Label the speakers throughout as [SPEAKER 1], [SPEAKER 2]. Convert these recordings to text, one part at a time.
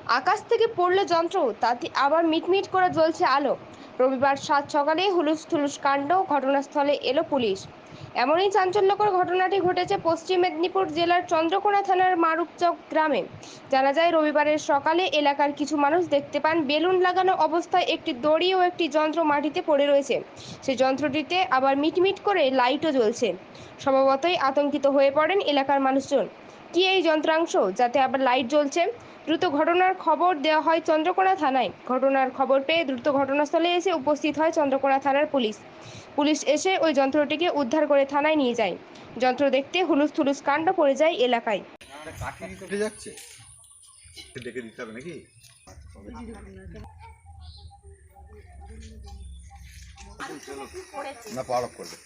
[SPEAKER 1] আকাশ থেকে পড়ল যন্ত্র, তাতে আবার মিটমিট করে জ্বলছে আলো। রবিবার সাত সকালে হুলুস থুলুস কাণ্ড, ঘটনাস্থলে এলো পুলিশ। এমনই চাঞ্চল্যকর ঘটনাটি ঘটেছে পশ্চিম মেদিনীপুর জেলার চন্দ্রকোনা থানার মারুপচক গ্রামে। জানা যায়, রবিবারের সকালে এলাকার কিছু মানুষ দেখতে পান বেলুন লাগানো অবস্থায় একটি দড়ি ও একটি যন্ত্র মাটিতে পড়ে রয়েছে। সেই যন্ত্রটিতে আবার মিটমিট করে লাইটও জ্বলছে। স্বভাবতই আতঙ্কিত হয়ে পড়েন এলাকার মানুষজন। কি এই যন্ত্রাংশ, যাতে আবার লাইট জ্বলছে? দ্রুত ঘটনার খবর দেওয়া হয় চন্দ্রকোনা থানায়। ঘটনার খবর পেয়ে দ্রুত ঘটনাস্থলে এসে উপস্থিত হয় চন্দ্রকোনা থানার পুলিশ। পুলিশ এসে ওই যন্ত্রটিকে উদ্ধার করে থানায় নিয়ে যায়। যন্ত্র দেখতে হুলুস থুলুস কাণ্ড পড়ে যায় এলাকায়।
[SPEAKER 2] উঠে যাচ্ছে, ডেকে দিতে হবে নাকি? না, পাওয়ার অফ করবে।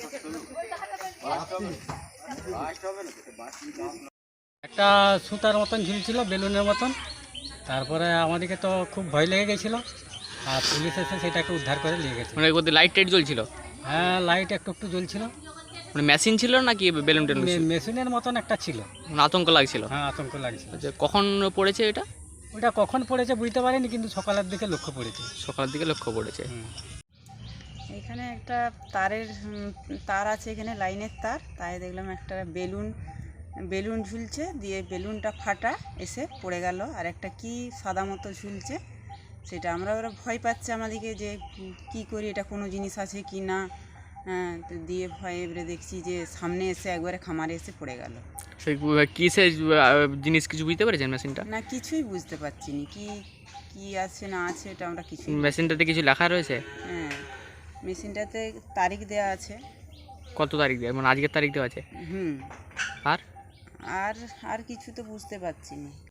[SPEAKER 3] একটা সুতার মতন ঝুলছিল, বেলুনের মতন। তারপরে আমাদেরকে তো খুব ভয় লেগে গেছিলো, আর পুলিশ এসে সেটাকে উদ্ধার করে নিয়ে গেছে।
[SPEAKER 4] মানে বলতে লাইট টাইট জ্বলছিল?
[SPEAKER 3] হ্যাঁ, লাইট একটু একটু জ্বলছিল।
[SPEAKER 4] মানে মেশিন ছিল নাকি বেলুন টেলুন ছিল?
[SPEAKER 3] মেশিনের মতন একটা ছিল।
[SPEAKER 4] মানে আতঙ্ক লাগছিল?
[SPEAKER 3] হ্যাঁ, আতঙ্ক লাগছিল।
[SPEAKER 4] আচ্ছা, কখন পড়েছে এটা?
[SPEAKER 3] ওটা কখন পড়েছে বুঝতে পারিনি, কিন্তু সকালের দিকে লক্ষ্য পড়েছে।
[SPEAKER 4] সকালের দিকে লক্ষ্য পড়েছে।
[SPEAKER 5] এখানে একটা তারের তার আছে, এখানে লাইনের তার, তাই দেখলাম একটা বেলুন বেলুন ঝুলছে, দিয়ে বেলুনটা ফাটা এসে পড়ে গেল। আর একটা কি সাদা মতো ঝুলছে, সেটা ওরা ভয় পাচ্ছে আমাদেরকে যে কি করি, এটা কোনো জিনিস আছে কি না। হ্যাঁ, তো দিয়ে ভয়ে এবারে দেখছি যে সামনে এসে একবারে খামারে এসে পড়ে গেল।
[SPEAKER 4] সেই কিসের জিনিস কিছু বুঝতে পেরেছেন মেশিনটা?
[SPEAKER 5] না, কিছুই বুঝতে পারছি না কি কি আছে না আছে, এটা আমরা কিছুই।
[SPEAKER 4] মেশিনটাতে কিছু লেখা রয়েছে?
[SPEAKER 5] হ্যাঁ, মেশিনটাতে তারিখ দেওয়া আছে।
[SPEAKER 4] কত তারিখ দেওয়া, মানে আজকের তারিখ দেওয়া আছে?
[SPEAKER 5] হুম।
[SPEAKER 4] আর
[SPEAKER 5] আর আর কিছু তো বুঝতে পারছি না।